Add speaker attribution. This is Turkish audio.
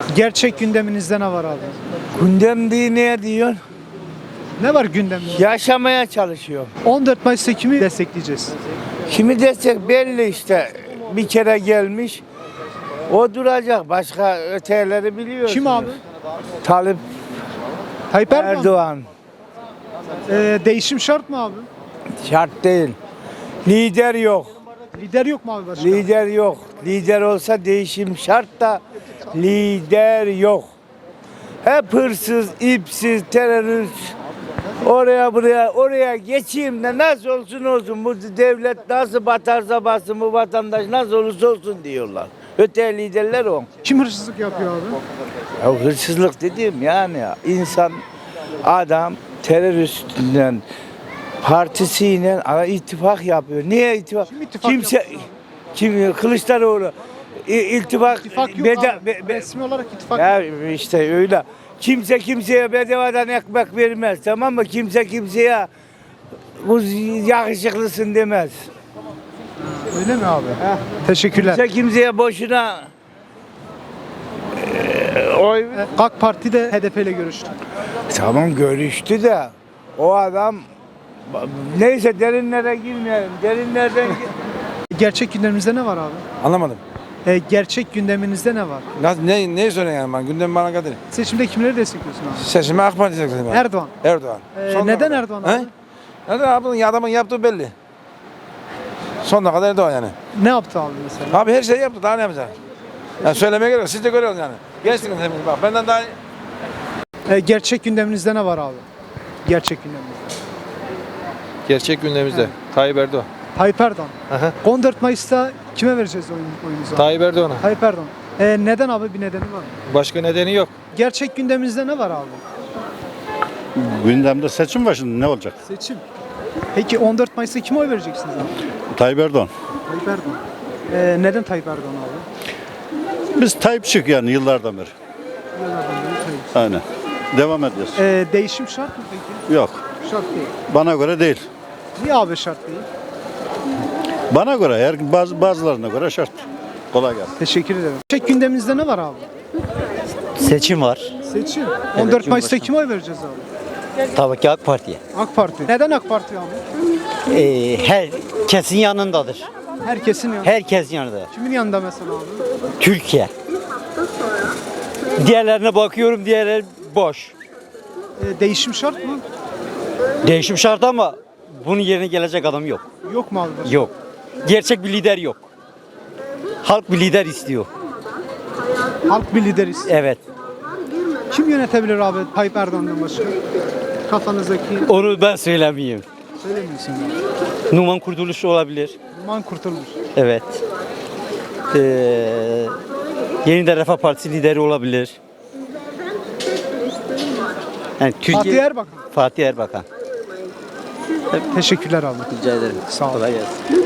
Speaker 1: Gerçek gündeminizde ne var abi?
Speaker 2: Gündem diye ne diyorsun?
Speaker 1: Ne var gündemde?
Speaker 2: Yaşamaya çalışıyor.
Speaker 1: 14 Mayıs'ta kimi destekleyeceğiz?
Speaker 2: Kimi destek belli işte. Bir kere gelmiş. O duracak. Başka öteleri biliyorsunuz.
Speaker 1: Kim abi?
Speaker 2: Talip
Speaker 1: Tayyip Erdoğan.
Speaker 2: Erdoğan.
Speaker 1: Değişim şart mı abi?
Speaker 2: Şart değil. Lider yok.
Speaker 1: Lider yok mu abi başka?
Speaker 2: Lider yok. Lider olsa değişim şart da lider yok. Hep hırsız, ipsiz, terörist. Oraya geçeyim de nasıl olsun olsun. Bu devlet nasıl batarsa batsın, bu vatandaş nasıl olursa olsun diyorlar. Öte liderler o.
Speaker 1: Kim hırsızlık yapıyor abi?
Speaker 2: Ya hırsızlık dediğim yani insan, adam teröristle, partisiyle ittifak yapıyor. Niye ittifak?
Speaker 1: Kim ittifak
Speaker 2: Kılıçdaroğlu ittifak,
Speaker 1: İttifak yok abi. Resmi olarak ittifak yok.
Speaker 2: ya işte öyle. Kimse kimseye bedavadan ekmek vermez, tamam mı? Kimse kimseye bu yakışıklısın demez.
Speaker 1: Öyle mi abi? Teşekkürler.
Speaker 2: Kimse kimseye boşuna oy.
Speaker 1: AK Parti de HDP ile görüştü.
Speaker 2: Tamam görüştü de o adam neyse derinlere girmeyelim. Derinlerden
Speaker 1: Gerçek gündemimizde ne var abi?
Speaker 3: Anlamadım.
Speaker 1: Gerçek gündeminizde ne var?
Speaker 3: Neyi söylüyorsun yani ben? Gündem bana kadar.
Speaker 1: Seçimde kimleri destekliyorsun abi?
Speaker 3: Seçimi AK Parti destekledim.
Speaker 1: Erdoğan.
Speaker 3: Erdoğan. Sonuna
Speaker 1: Neden
Speaker 3: kadar.
Speaker 1: Erdoğan
Speaker 3: He?
Speaker 1: abi?
Speaker 3: Neden abi? Adamın yaptığı belli. Sonuna kadar Erdoğan yani.
Speaker 1: Ne yaptı abi mesela?
Speaker 3: Abi her şeyi yaptı. Daha ne yapacak? Yani söylemeye gerek yok. Siz de görüyorsunuz yani. Geçtiniz hepiniz bak. Benden daha iyi.
Speaker 1: Gerçek gündeminizde ne var abi? Gerçek gündeminizde.
Speaker 4: Gerçek gündemimizde. Tayyip Erdoğan.
Speaker 1: Tayyip Erdoğan.
Speaker 4: Aha.
Speaker 1: 14 Mayıs'ta kime vereceğiz oyumuzu?
Speaker 4: Tayyip Erdoğan'a.
Speaker 1: Tayyip Erdoğan. Neden abi? Bir nedeni var mı?
Speaker 4: Başka nedeni yok.
Speaker 1: Gerçek gündeminizde ne var abi?
Speaker 5: Gündemde seçim var şimdi ne olacak?
Speaker 1: Seçim. Peki 14 Mayıs'ta kime oy vereceksiniz abi?
Speaker 5: Tayyip Erdoğan.
Speaker 1: Tayyip Erdoğan. Neden Tayyip Erdoğan abi?
Speaker 5: Biz Tayyipçik yani yıllardan beri.
Speaker 1: Yıllardan beri Tayyip.
Speaker 5: Aynen. Devam ediyoruz.
Speaker 1: Değişim şart mı peki?
Speaker 5: Yok.
Speaker 1: Şart değil.
Speaker 5: Bana göre değil.
Speaker 1: Niye abi şart değil?
Speaker 5: Bana göre bazılarına göre şart. Kolay gelsin.
Speaker 1: Teşekkür ederim. Gerçek gündeminizde ne var abi?
Speaker 6: Seçim var.
Speaker 1: Seçim. 14 Mayıs'ta
Speaker 6: Cumhurbaşkanı.
Speaker 1: kime oy vereceğiz abi?
Speaker 6: Tabii ki AK Parti'ye.
Speaker 1: AK Parti. Neden AK Parti abi?
Speaker 6: Herkesin yanındadır.
Speaker 1: Herkesin yanında.
Speaker 6: Herkesin yanında.
Speaker 1: Kimin yanında mesela abi?
Speaker 6: Türkiye. Diğerlerine bakıyorum, diğerleri boş.
Speaker 1: Değişim şart mı?
Speaker 6: Değişim şart ama bunun yerine gelecek adam yok.
Speaker 1: Yok mu abi? başka?
Speaker 6: Yok. Gerçek bir lider yok. Halk bir lider istiyor.
Speaker 1: Halk bir lideriz.
Speaker 6: Evet.
Speaker 1: Kim yönetebilir abi Tayyip Erdoğan'dan başka? Kafanızdaki
Speaker 6: Onu ben söylemeyeyim.
Speaker 1: söylemiyorsun.
Speaker 6: Numan Kurtuluş olabilir.
Speaker 1: Numan Kurtulmuş.
Speaker 6: Evet. Yeniden Refah Partisi lideri olabilir. Yani Türkiye...
Speaker 1: Fatih Erbakan.
Speaker 6: Fatih Erbakan.
Speaker 1: Teşekkürler abi.
Speaker 6: Rica ederim.
Speaker 1: Sağ ol.
Speaker 6: Kolay gelsin.